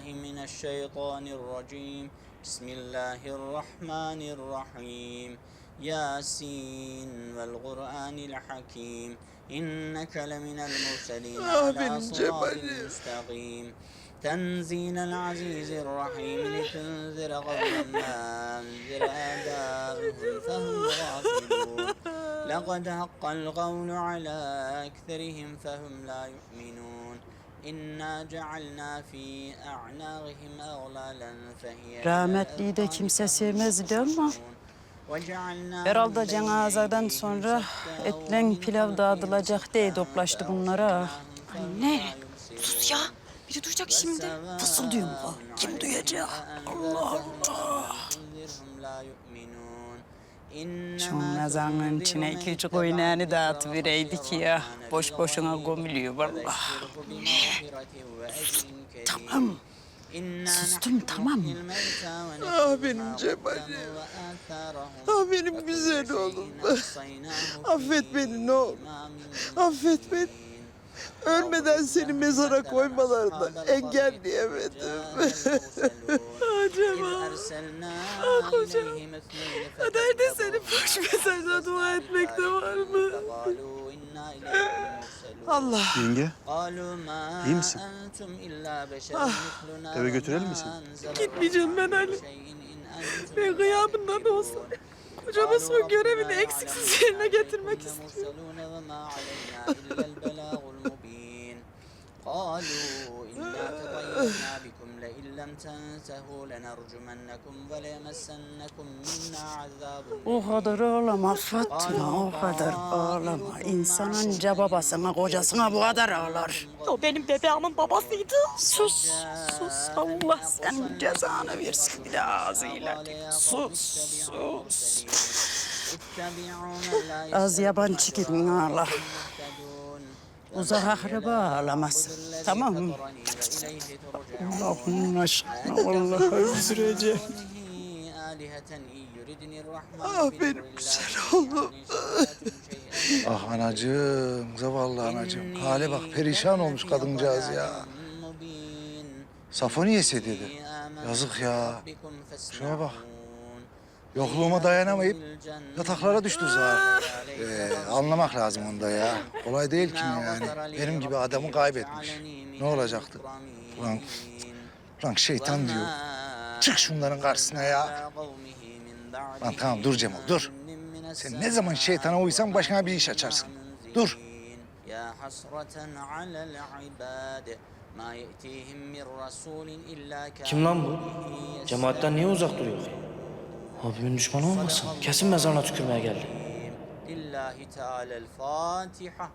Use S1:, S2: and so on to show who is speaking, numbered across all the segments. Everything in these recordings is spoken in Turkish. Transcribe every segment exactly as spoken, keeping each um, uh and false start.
S1: من الشيطان الرجيم بسم الله الرحمن الرحيم ياسين والقرآن الحكيم إنك لمن المرسلين على صراط مستقيم تنزيل العزيز الرحيم لتنذر قوما ما أنذر آباؤهم فهم غافلون لقد حق القول على أكثرهم فهم لا يؤمنون إنا جعلنا في أعناقهم أغلالا فهي
S2: Rahmetliyi de kimse sevmezdi ama herhalde cenazadan sonra etlen pilav dağıtılacak diye toplaştı bunlara.
S3: Anne, sus ya. Biri duyacak şimdi.
S2: Fısıldıyor mu? Kim duyacak? Allah Allah. Şu mezarın içine iki üç koyunağını dağıtıvereydik ya. Boş boşuna gömülüyor vallahi. Tamam. Sustum tamam.
S4: Ah benim Cemal'im. Ah benim güzel oğlum. Affet beni ne olur. Affet beni. Ölmeden seni mezara koymalarına engelleyemedim.
S3: Ah Cemal. Ah kocam. Kaderde senin boş mesajla dua etmekte var mı?
S4: Allah.
S5: Yenge, iyi misin?
S4: Ah.
S5: Eve götürelim mi seni?
S3: Gitmeyeceğim ben Ali. Ben gıyabında da olsa kocama son görevini eksiksiz yerine getirmek istiyorum.
S1: قالوا إنا تطيرنا بكم لئن لم تنتهوا لنرجمنكم وليمسنكم منا عذاب.
S2: O kadar ağlama Fatma, o kadar ağlama. İnsan anca babasına, kocasına bu kadar ağlar.
S3: O benim bebeğimin babasıydı.
S2: Sus, sus. Allah senin cezanı versin bir de ağzıyla. Sus, sus. Az yabancı gidin ağla. Uzak akraba ağlamasın. Tamam mı? Allah'ın aşkına vallahi öldüreceğim.
S4: Ah benim güzel oğlum.
S6: Ah anacığım, zavallı anacığım. Hale bak, perişan olmuş kadıncağız ya. Safo niyesi dedi. Yazık ya. Şuna bak. Yokluğuma dayanamayıp yataklara düştü zaten. Ee, anlamak lazım onda ya. Kolay değil ki yani. Benim gibi adamı kaybetmiş. Ne olacaktı? Ulan, ulan şeytan diyor. Çık şunların karşısına ya. Lan tamam dur Cemal dur. Sen ne zaman şeytana uysan başına bir iş açarsın. Dur.
S7: Kim lan bu? Cemaatten niye uzak duruyor? Abimin düşmanı olmasın? Kesin mezarına tükürmeye geldi.
S1: Lillahi Teala'l Fatiha.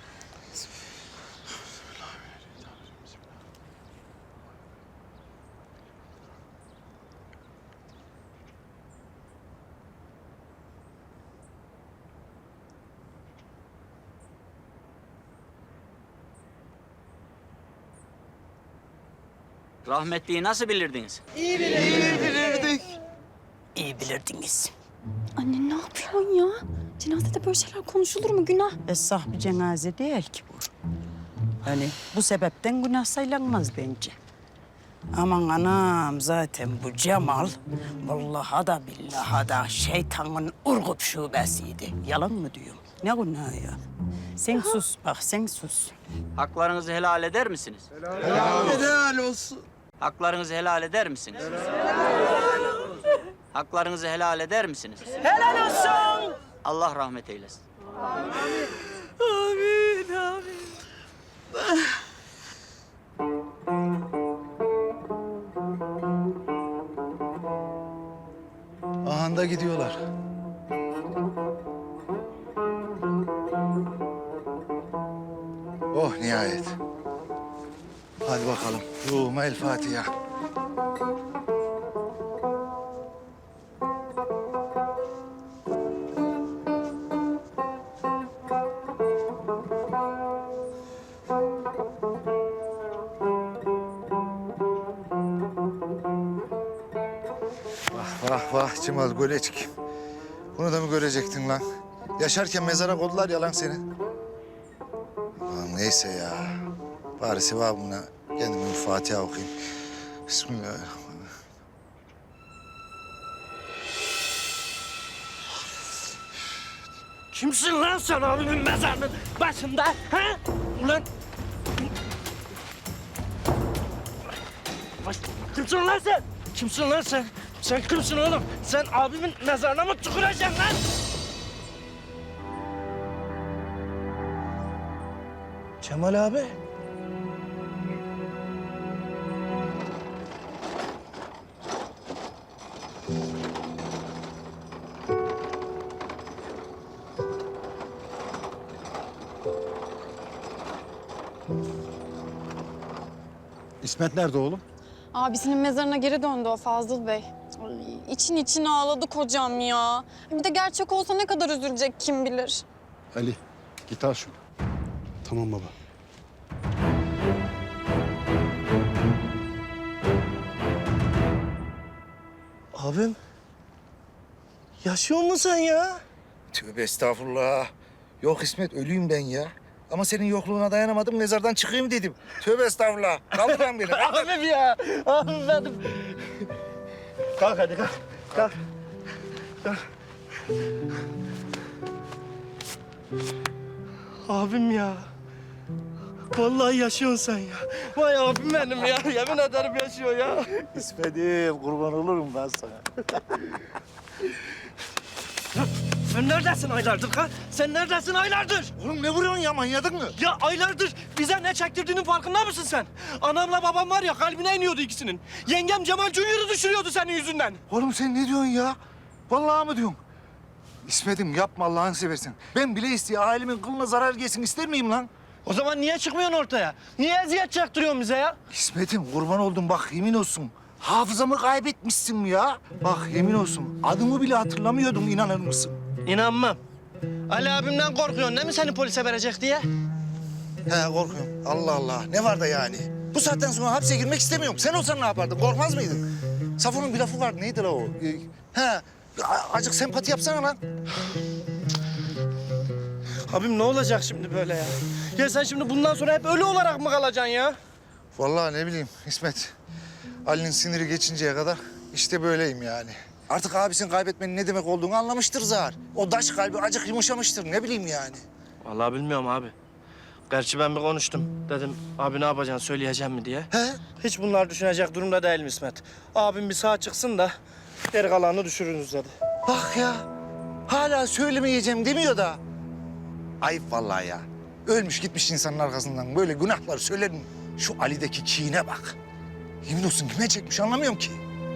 S1: Rahmetliyi nasıl bilirdiniz?
S4: İyi bilirdik.
S2: İyi bilirdiniz.
S3: Anne ne yapıyorsun ya? Cenazede böyle şeyler konuşulur mu? Günah.
S2: Esah bir cenaze değil ki bu. Yani bu sebepten günah saylanmaz bence. Aman anam zaten bu Cemal vallahi da billahi da şeytanın urgup şubesiydi. Yalan mı diyorum? Ne günahı ya? Sen sus bak sen sus.
S1: Haklarınızı helal eder misiniz?
S4: Helal olsun.
S1: Haklarınızı helal eder misiniz? Haklarınızı helal eder misiniz?
S2: Helal olsun.
S1: Allah rahmet eylesin.
S3: Amin, amin.
S6: Ahanda gidiyorlar. Oh nihayet. Hadi bakalım. Ruhuma el Fatiha. Vah vah vah Cemal Gölecik. Bunu da mı görecektin lan? Yaşarken mezara koydular ya lan seni. Aman neyse ya. Bari sevabına kendime bir Fatiha okuyayım. Bismillahirrahmanirrahim.
S7: Kimsin lan sen abimin mezarının başında? Ha? Ulan! Baş... Kimsin lan sen? Kimsin lan sen? Sen kimsin oğlum? Sen abimin mezarına mı tüküreceksin lan? Cemal abi.
S5: İsmet nerede oğlum?
S8: Abisinin mezarına geri döndü o Fazıl Bey. Ay, için için ağladı kocam ya. Bir de gerçek olsa ne kadar üzülecek kim bilir.
S5: Ali git al şunu. Tamam baba.
S7: Abim. Yaşıyor musun sen ya?
S6: Tövbe estağfurullah. Yok İsmet, ölüyüm ben ya. Ama senin yokluğuna dayanamadım, mezardan çıkayım dedim. Tövbe estağfurullah. Kaldır lan beni. kaldır.
S7: Abim ya. Abim benim. Kalk hadi kalk. Kalk. Kalk. Abim ya. Vallahi yaşıyorsun sen ya. Vay abim benim ya. Yemin ederim yaşıyor ya.
S6: İsmet'im, kurban olurum ben sana.
S7: Sen neredesin aylardır ha? Sen neredesin aylardır?
S6: Oğlum ne vuruyorsun ya, manyadın mı?
S7: Ya aylardır bize ne çektirdiğinin farkında mısın sen? Anamla babam var ya kalbine iniyordu ikisinin. Yengem Cemal Junior'ı düşürüyordu senin yüzünden.
S6: Oğlum sen ne diyorsun ya? Vallahi mı diyorsun? İsmet'im yapma Allah'ını seversen. Ben bile isteye ailemin kılına zarar gelsin ister miyim lan?
S7: O zaman niye çıkmıyorsun ortaya? Niye eziyet çaktırıyorsun bize ya?
S6: İsmet'im kurban oldum bak yemin olsun. Hafızamı kaybetmişsin ya. Bak yemin olsun adımı bile hatırlamıyordum, inanır mısın?
S7: İnanmam. Ali abimden korkuyorsun değil mi seni polise verecek diye?
S6: He korkuyorum. Allah Allah. Ne var da yani? Bu saatten sonra hapse girmek istemiyorum. Sen olsan ne yapardın? Korkmaz mıydın? Safon'un bir lafı vardı. Neydi la o? Ee, he. a- Acık sempati yapsana lan.
S7: Abim ne olacak şimdi böyle ya? Ya sen şimdi bundan sonra hep ölü olarak mı kalacaksın ya?
S6: Vallahi ne bileyim İsmet. Ali'nin siniri geçinceye kadar işte böyleyim yani. Artık abisini kaybetmenin ne demek olduğunu anlamıştır zar. O daş kalbi acık yumuşamıştır. Ne bileyim yani.
S7: Vallahi bilmiyorum abi. Gerçi ben bir konuştum. Dedim abi ne yapacaksın söyleyeceğim mi diye.
S6: He?
S7: Hiç bunlar düşünecek durumda değilim İsmet. Abim bir sağ çıksın da geri kalanını düşürürüz dedi.
S6: Bak ya. Hala söylemeyeceğim demiyor da. Ayıp vallahi ya. Ölmüş gitmiş insanın arkasından böyle günahlar söyler mi? Şu Ali'deki kine bak. Yemin olsun kime çekmiş anlamıyorum ki.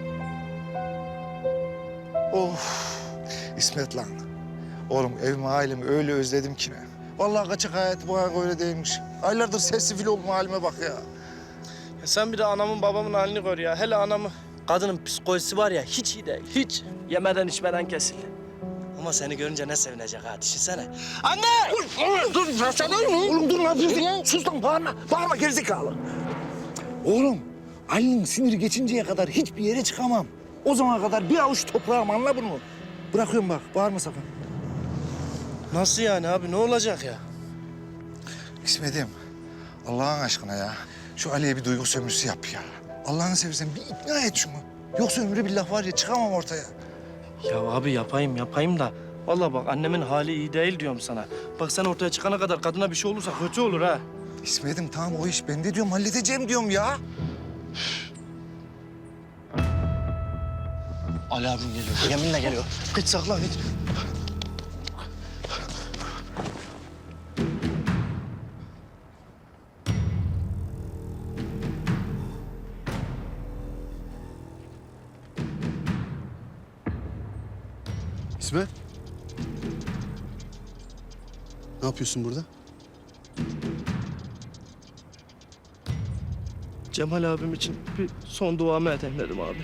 S6: Of. İsmet lan. Oğlum evimi ailemi öyle özledim ki ne. Vallahi kaçak hayatı bu ayak öyle değilmiş. Aylardır sessiz fil oldum halime bak ya.
S7: Ya sen bir de anamın babamın halini gör ya. Hele anamı. Kadının psikolojisi var ya hiç iyi değil. Hiç. Yemeden içmeden kesildi. Ama seni görünce ne sevinecek ha düşünsene. Anne!
S6: Oğlum dur, sen Oğlum dur ne yapıyorsun ya? Sus lan bağırma, bağırma gerizekalı. Oğlum Ali'nin siniri geçinceye kadar hiçbir yere çıkamam. O zamana kadar bir avuç toprağım, anla bunu. Bırakıyorum bak, bağırma sakın.
S7: Nasıl yani abi ne olacak ya?
S6: İsmet'im, Allah'ın aşkına ya. Şu Ali'ye bir duygu sömürüsü yap ya. Allah'ını seversen bir ikna et şunu. Yoksa ömrü billah var ya çıkamam ortaya.
S7: Ya abi yapayım yapayım da. Vallahi bak annemin hali iyi değil diyorum sana. Bak sen ortaya çıkana kadar kadına bir şey olursa kötü olur ha.
S6: İsmet'im tamam o iş bende diyorum, halledeceğim diyorum ya.
S7: Ali abim geliyor. Yeminle geliyor. Git saklan git.
S5: İsmet. Ne yapıyorsun burada?
S7: Cemal abim için bir son duamı edeyim dedim abi.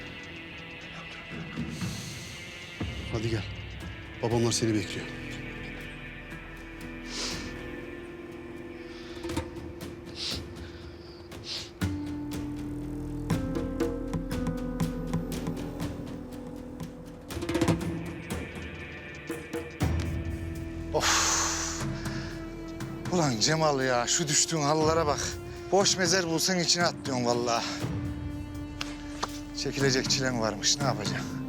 S5: Hadi gel. Babamlar seni bekliyor.
S6: Ulan Cemal ya şu düştüğün halılara bak. Boş mezar bulsan içine at diyorsun vallahi. Çekilecek çilen varmış. Ne yapacaksın?